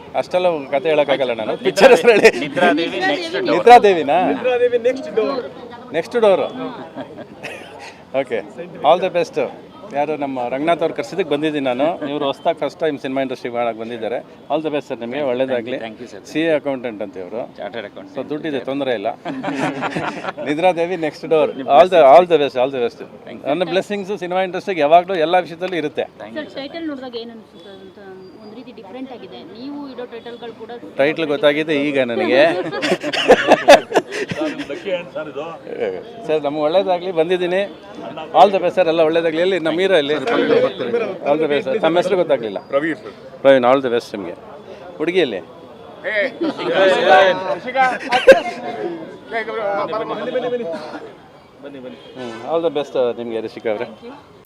ಅಷ್ಟೆಲ್ಲ ಕತೆ ಹೇಳೋಕ್ಕಾಗಲ್ಲ ನಾನು. ಪಿಕ್ಚರ್ ಹೆಸರು ಹೇಳಿ. ನಿದ್ರಾದೇವಿನಾ? Next door. Okay, all the best. ಯಾರು ನಮ್ಮ ರಂಗನಾಥ್ ಅವ್ರು ಕರ್ಸಿದ್ದಕ್ಕೆ ಬಂದಿದ್ದೀನಿ ನಾನು. ಇವರು ಹೊಸ್ದಾಗಿ ಫಸ್ಟ್ ಟೈಮ್ ಸಿನಿಮಾ ಇಂಡಸ್ಟ್ರಿ ಮಾಡಕ್ಕೆ ಬಂದಿದ್ದಾರೆ. ಆಲ್ ದ ಬೆಸ್ಟ್ ಸರ್, ನಿಮಗೆ ಒಳ್ಳೇದಾಗಲಿ. CA ಅಕೌಂಟೆಂಟ್ ಅಂತ ಇವರು. Chartered account. ಸೊ ದುಡ್ಡಿದೆ, ತೊಂದರೆ ಇಲ್ಲ. Nidradevi next door. All the best. ನನ್ನ ಬ್ಲೆಸ್ಸಿಂಗ್ಸು ಸಿನಿಮಾ ಇಂಡಸ್ಟ್ರಿಗೆ ಯಾವಾಗಲೂ ಎಲ್ಲ ವಿಷಯದಲ್ಲೂ ಇರುತ್ತೆ. ಟೈಟಲ್ ನೋಡಿದಾಗ ಏನು ಅನಿಸುತ್ತೆ ಅಂತ ಒಂದು ರೀತಿ ಡಿಫ್ರೆಂಟ್ ಆಗಿದೆ. ನೀವು ಇಡೋ ಟೈಟಲ್ಗಳು ಕೂಡ ಟೈಟ್ಲ್ ಗೊತ್ತಾಗಿದೆ ಈಗ ನನಗೆ. ಸರ್ ನಮ್ಗೆ ಒಳ್ಳೇದಾಗಲಿ, ಬಂದಿದ್ದೀನಿ. ಆಲ್ ದ ಬೆಸ್ಟ್ ಸರ್, ಎಲ್ಲ ಒಳ್ಳೇದಾಗಲಿ. ಎಲ್ಲಿ ನಮ್ಮ ಹೀರೋ ಇಲ್ಲಿ? All the best sir. ತಮ್ಮ ಹೆಸರು ಗೊತ್ತಾಗಲಿಲ್ಲ? ಪ್ರವೀಣ್. ಆಲ್ ದ ಬೆಸ್ಟ್ ನಿಮಗೆ. ಹುಡುಗಿಯಲ್ಲಿ ಆಲ್ ದ ಬೆಸ್ಟ್ ನಿಮಗೆ ರಿಷಿಕಾ ಅವರೇ.